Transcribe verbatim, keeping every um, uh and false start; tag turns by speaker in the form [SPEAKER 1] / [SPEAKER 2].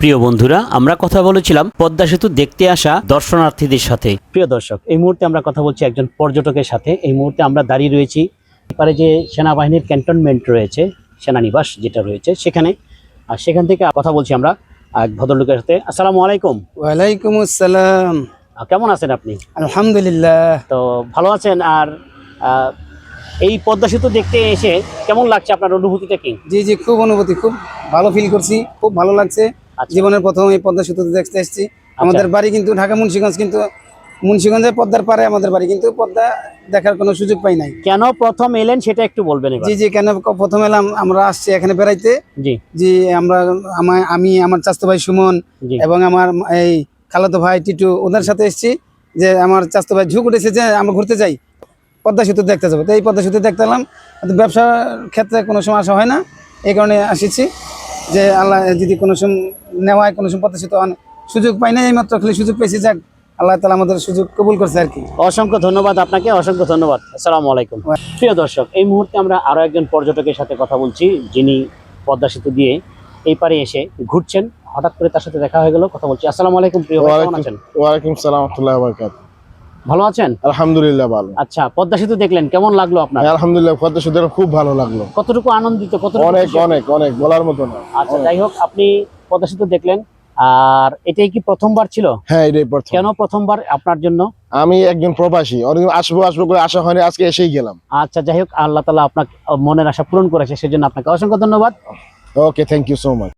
[SPEAKER 1] প্রিয় বন্ধুরা, আমরা কথা বলেছিলাম পদ্মা সেতু দেখতে আসা দর্শনার্থীদের সাথে। প্রিয় দর্শক, এই মুহূর্তে আমরা কথা বলছি একজন পর্যটকের সাথে। এই মুহূর্তে আমরা দাঁড়িয়ে রয়েছি এপারে যে সেনাবাহিনীর ক্যান্টনমেন্ট রয়েছে, সেনানিবাস যেটা রয়েছে সেখানে। আর সেখান থেকে কথা বলছি আমরা এক ভদ্রলোকের সাথে। আসসালামু আলাইকুম।
[SPEAKER 2] ওয়ালাইকুম আসসালাম।
[SPEAKER 1] আহ, কেমন আছেন আপনি?
[SPEAKER 2] আলহামদুলিল্লাহ।
[SPEAKER 1] তো ভালো আছেন। আর আহ, এই পদ্মা সেতু দেখতে এসে কেমন লাগছে, আপনার অনুভূতিটা কি?
[SPEAKER 2] জি জি খুব অনুভূতি, খুব ভালো ফিল করছি, খুব ভালো লাগছে।
[SPEAKER 1] আচ্ছা।
[SPEAKER 2] জীবনের প্রথম এই পদ্মা সেতু দেখতে এসেছি। আমাদের বাড়ি কিন্তু ঢাকা মুন্সিগঞ্জ, কিন্তু মুন্সিগঞ্জের পদ্মার পারে আমাদের বাড়ি, কিন্তু পদ্মা দেখার কোনো সুযোগ পাই নাই।
[SPEAKER 1] কেন প্রথম এলেন সেটা একটু বলবেন এবার।
[SPEAKER 2] জি জি কেন প্রথম এলাম, আমরা আসছি এখানে বেড়াইতে।
[SPEAKER 1] জি
[SPEAKER 2] জি আমরা আমা- আমি আমার চাচতো ভাই সুমন
[SPEAKER 1] জি
[SPEAKER 2] এবং আমার এই খালাতো ভাই টিটু, ওদের সাথে এসেছি। যে আমার চাচতো ভাই ঝুঁক উঠেছে যে আমরা ঘুরতে যাই, পদ্মা সেতু দেখতে যাবো। তো এই পদ্মা সেতু দেখতে এলাম। কিন্তু ব্যবসার ক্ষেত্রে কোনো সময় আসা হয় না, এই কারণে আসিছি যে আল্লাহ যদি কোনো সময় নেওয়ায় কোনো সময় পদ্মা সেতু অনেক সুযোগ পাই না, এই মাত্র খালি সুযোগ পেয়েছি। যাক, আল্লাহ তাআলা আমাদের সুযোগ কবুল করছে আর কি।
[SPEAKER 1] অসংখ্য ধন্যবাদ আপনাকে, অসংখ্য ধন্যবাদ। আসসালামু আলাইকুম। প্রিয় দর্শক, এই মুহূর্তে আমরা আরো একজন পর্যটকের সাথে কথা বলছি, যিনি পদ্মা সেতু দিয়ে এই পারে এসে ঘুরছেন। হঠাৎ করে তার সাথে দেখা হয়ে গেল, কথা বলছি। আসসালামু আলাইকুম প্রিয় ভাই, কেমন আছেন?
[SPEAKER 3] ওয়ালাইকুম সালাম রাহমাতুল্লাহি ওয়া বারাকাতুহু।
[SPEAKER 1] ভালো আছেন?
[SPEAKER 3] আলহামদুলিল্লাহ ভালো।
[SPEAKER 1] আচ্ছা, পদ্মা সেতু দেখলেন, কেমন লাগলো আপনার?
[SPEAKER 3] আলহামদুলিল্লাহ পদ্মা সেতু খুব ভালো লাগলো।
[SPEAKER 1] কতটুকু আনন্দিত, কতটুকু
[SPEAKER 3] অনেক
[SPEAKER 1] খুশি?
[SPEAKER 3] অনেক অনেক বলার মতো না।
[SPEAKER 1] আচ্ছা, যাই হোক, আপনি পদ্মা সেতু দেখলেন, আর এটাই কি প্রথমবার ছিল?
[SPEAKER 3] হ্যাঁ, এটাই প্রথম।
[SPEAKER 1] কেন প্রথমবার আপনার জন্য?
[SPEAKER 3] আমি একজন প্রবাসী, অনেক আসবো আসবো করে আশা হয়নি, আজকে এসেই গেলাম।
[SPEAKER 1] আচ্ছা, যাই হোক, আল্লাহ তাআলা আপনার মনের আশা পূরণ করেছে, সেজন্য আপনাকে অসংখ্য ধন্যবাদ।
[SPEAKER 3] Okay, thank you so much.